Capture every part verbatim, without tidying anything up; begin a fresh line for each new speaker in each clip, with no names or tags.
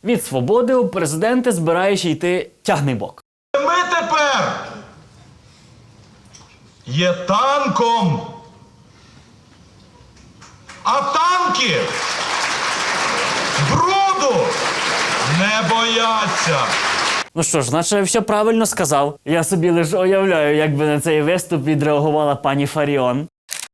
Від свободи у президенти збираєш йти тягнибок.
Ми тепер є танком. А танки бруду не бояться.
Ну що ж, наче все правильно сказав. Я собі лише уявляю, як би на цей виступ відреагувала пані Фаріон.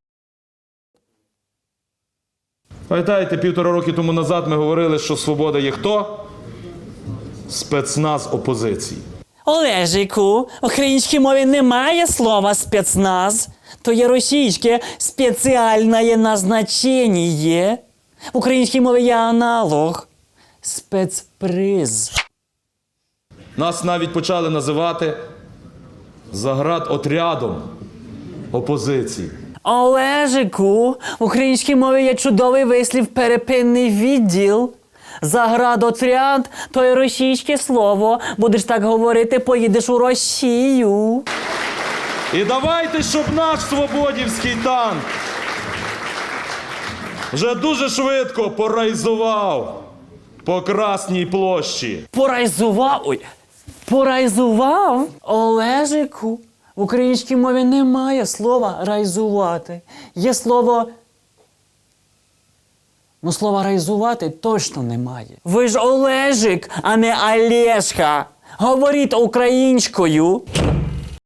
Пам'ятаєте, півтора роки тому назад ми говорили, що свобода є хто? Спецназ опозиції.
Олежику, в українській мові немає слова спецназ. То є російське спеціальне назначення. В українській мові є аналог. Спецприз.
Нас навіть почали називати заградотрядом опозиції.
Олежику, в українській мові є чудовий вислів «перепинний відділ». Заградотряд – то є російське слово. Будеш так говорити, поїдеш у Росію.
І давайте, щоб наш свободівський танк вже дуже швидко порайзував по Красній площі.
Порайзував? Ой, порайзував? Олежику, в українській мові немає слова «райзувати». Є слово... Ну, слова «райзувати» точно немає. Ви ж Олежик, а не Олешка. Говоріть українською.